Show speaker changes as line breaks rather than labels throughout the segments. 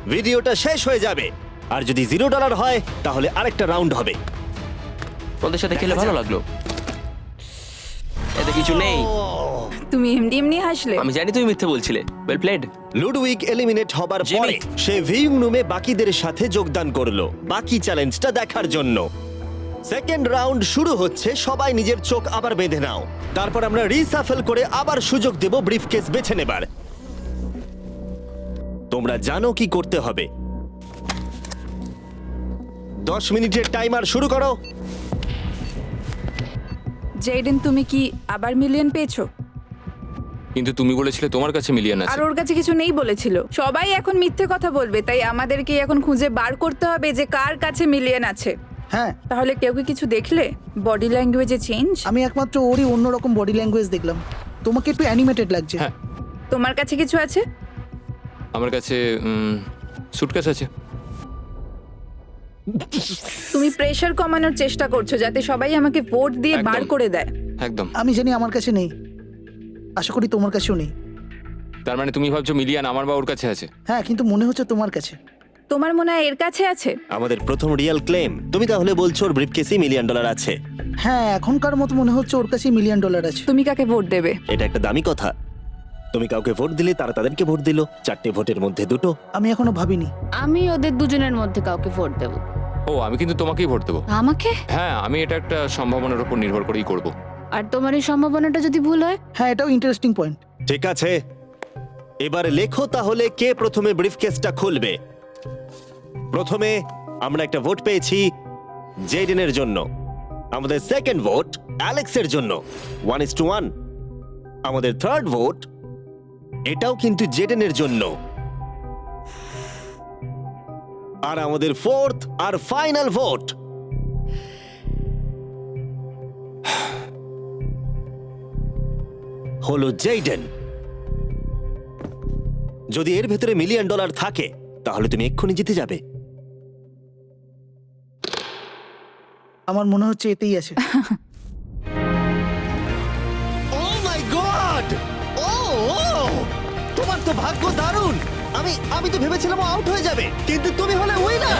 ভিডিওটা শেষ হয়ে যাবে। আর যদি $0 হয় তাহলে আরেকটা রাউন্ড হবে।
ওদের সাথে খেলে ভালো লাগলো। এতে কিছু নেই।
তুমি এমনি এমনি হাসলে।
আমি জানি তুমি মিথ্যে বলছিলে। Well played.
লুডউইক এলিমিনেট হবার
জিমি।
পরে সে ভিউইং রুমে বাকিদের সাথে যোগদান করলো বাকি চ্যালেঞ্জটা দেখার জন্য। সেকেন্ড রাউন্ড শুরু হচ্ছে, সবাই নিজের চোখ আবার বেঁধে নাও। তারপর আমরা রিসাফেল করে আবার সুযোগ দেব ব্রিফকেস বেছে নেবার। তোমরা জানো কি করতে হবে। 10 মিনিটের টাইমার শুরু করো।
জেডেন, তুমি কি আবার মিলিয়ন পেয়েছো?
কিন্তু তুমি বলেছিলে তোমার কাছে মিলিয়ন
আর
আছে।
ওর কাছে কিছু নেই বলেছিল। সবাই এখন মিথ্যে কথা বলবে, তাই আমাদেরকে এখন খুঁজে বার করতে হবে যে কার কাছে মিলিয়ন আছে।
হ্যাঁ,
তাহলে কেউ কি কিছু দেখলে? বডি ল্যাঙ্গুয়েজে চেঞ্জ?
আমি একমাত্র ওরই অন্যরকম বডি ল্যাঙ্গুয়েজ দেখলাম। তোমাকে একটু অ্যানিমেটেড লাগছে।
হ্যাঁ।
তোমার কাছে কিছু আছে?
আমার কাছে সুটকেস আছে।
তুমি প্রেশার কমানোর চেষ্টা করছো যাতে সবাই আমাকে ভোট দিয়ে
একদম।
বার করে দেয়।
একদম।
আমি জানি আমার কাছে নেই, আশা করি তোমার কাছেও নেই।
তার মানে তুমি ভাবছো মিলিয়ন আমার বা ওর কাছে আছে?
হ্যাঁ, কিন্তু মনে হচ্ছে তোমার কাছে।
তোমার মনে হয় এর কাছে আছে?
আমাদের প্রথম রিয়েল ক্লেম। তুমি তাহলে বলছো ওর ব্রিফকেসে $1 মিলিয়ন আছে?
হ্যাঁ, এখনকার মতো মনে হচ্ছে ওর কাছে $1 মিলিয়ন আছে।
তুমি কাকে ভোট দেবে?
এটা একটা দামি কথা। তুমি কাউকে ভোট দিলে তারা তাদেরকে ভোট দিল। 4টে ভোটের মধ্যে 2টো।
আমি এখনো ভাবিনি।
আমি ওদের দুজনের মধ্যে কাউকে ভোট দেব।
ও, আমি কিন্তু তোমাকেই ভোট দেবো।
আমাকে?
হ্যাঁ, আমি এটা একটা সম্ভাবনার উপর নির্ভর করেই করব।
আর তোমার এই সম্ভাবনাটা যদি ভুল হয়?
হ্যাঁ, এটাও ইন্টারেস্টিং পয়েন্ট।
ঠিক আছে, এবার লেখো তাহলে কে প্রথমে ব্রিফকেসটা খুলবে। প্রথমে আমরা একটা ভোট পেয়েছি জেডেনের জন্য। আমাদের সেকেন্ড ভোট অ্যালেক্সের জন্য 1:1। আমাদের থার্ড ভোট এটাও কিন্তু জেডেনের জন্য। আর আমাদের ফোর্থ আর ফাইনাল ভোট হলো জেডেন। যদি এর ভেতরে $1 মিলিয়ন থাকে তাহলে তুমি এক্ষুনি জিতে যাবে।
আমার মনে হচ্ছে এতেই আছে।
ও মাই গড! ও তোমার তো ভাগ্য দারুণ। আমি তো ভেবেছিলাম আউট হয়ে যাবে, কিন্তু তুমি হলে উইনার।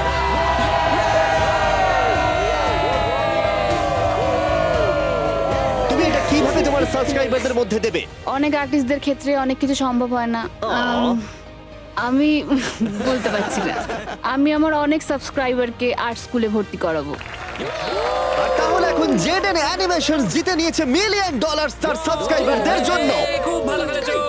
তুমি এটা কিভাবে তোমার সাবস্ক্রাইবারদের মধ্যে দেবে?
অনেক আর্টিস্টদের ক্ষেত্রে অনেক কিছু সম্ভব হয় না। আমি বলতে পারছি না। আমি আমার অনেক সাবস্ক্রাইবারকে আর্ট স্কুলে ভর্তি করাবো।
আর তাহলে এখন জেডেন অ্যানিমেশনস জিতে নিয়েছে $1 মিলিয়ন তার সাবস্ক্রাইবারদের জন্য।
খুব ভালো খেলেছো।